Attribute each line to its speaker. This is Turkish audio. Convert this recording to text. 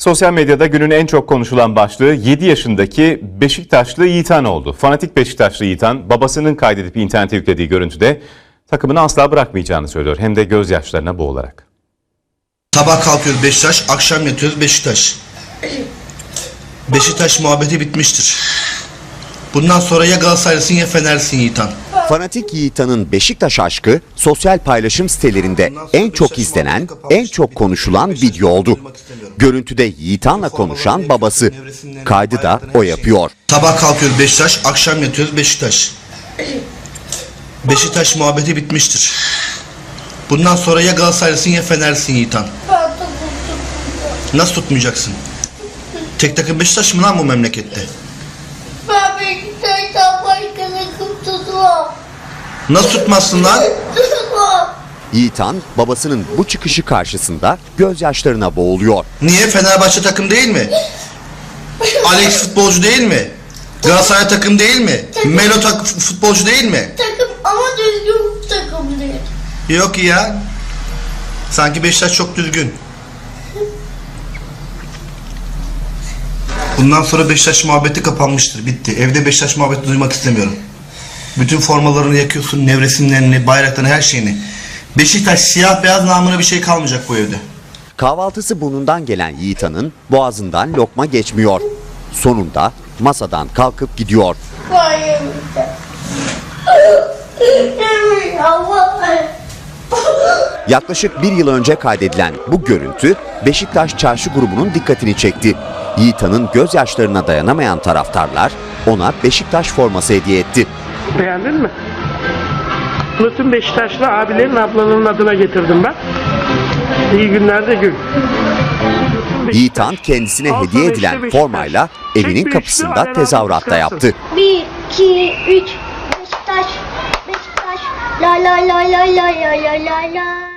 Speaker 1: Sosyal medyada günün en çok konuşulan başlığı 7 yaşındaki Beşiktaşlı Yiğitan oldu. Fanatik Beşiktaşlı Yiğitan babasının kaydedip internete yüklediği görüntüde takımını asla bırakmayacağını söylüyor. Hem de gözyaşlarına boğularak.
Speaker 2: Sabah kalkıyoruz Beşiktaş, akşam yatıyoruz Beşiktaş. Beşiktaş muhabbeti bitmiştir. Bundan sonra ya Galatasaraylısın ya Fenerlisin Yiğitan.
Speaker 3: Fanatik Yiğitan'ın Beşiktaş aşkı sosyal paylaşım sitelerinde en çok izlenen, en çok konuşulan video oldu. Görüntüde Yiğitan'la konuşan babası. Kaydı da o yapıyor.
Speaker 2: Sabah kalkıyoruz Beşiktaş, akşam yatıyoruz Beşiktaş. Beşiktaş muhabbeti bitmiştir. Bundan sonra ya Galatasaraylısın ya Fenerlisin Yiğitan. Nasıl tutmayacaksın? Tek takım Beşiktaş mı lan bu memlekette?
Speaker 4: Ben Beşiktaş'tan başka takım tutmam.
Speaker 2: Nasıl tutmazsın lan?
Speaker 4: Tutmam.
Speaker 3: Yiğitan babasının bu çıkışı karşısında gözyaşlarına boğuluyor.
Speaker 2: Niye? Fenerbahçe takım değil mi? Alex futbolcu değil mi? Galatasaray takım değil mi? Melo futbolcu değil mi?
Speaker 4: Takım ama düzgün takım değil.
Speaker 2: Yok ya. Sanki Beşiktaş çok düzgün. Bundan sonra Beşiktaş muhabbeti kapanmıştır. Bitti. Evde Beşiktaş muhabbeti duymak istemiyorum. Bütün formalarını yakıyorsun, nevresimlerini, bayraklarını, her şeyini. Beşiktaş siyah beyaz namına bir şey kalmayacak bu evde.
Speaker 3: Kahvaltısı burnundan gelen Yiğitan'ın boğazından lokma geçmiyor. Sonunda masadan kalkıp gidiyor.
Speaker 4: Hayır.
Speaker 3: Yaklaşık bir yıl önce kaydedilen bu görüntü Beşiktaş Çarşı grubunun dikkatini çekti. Yiğitan'ın gözyaşlarına dayanamayan taraftarlar ona Beşiktaş forması hediye etti.
Speaker 5: Beğendin mi? Bütün Beşiktaşlı abilerin ablalarının adına getirdim ben. İyi günlerde gül.
Speaker 3: Yiğitan kendisine hediye edilen formayla evinin kapısında tezahürat da yaptı.
Speaker 4: 1, 2, 3, Beşiktaş, Beşiktaş, la la la la la la la la la.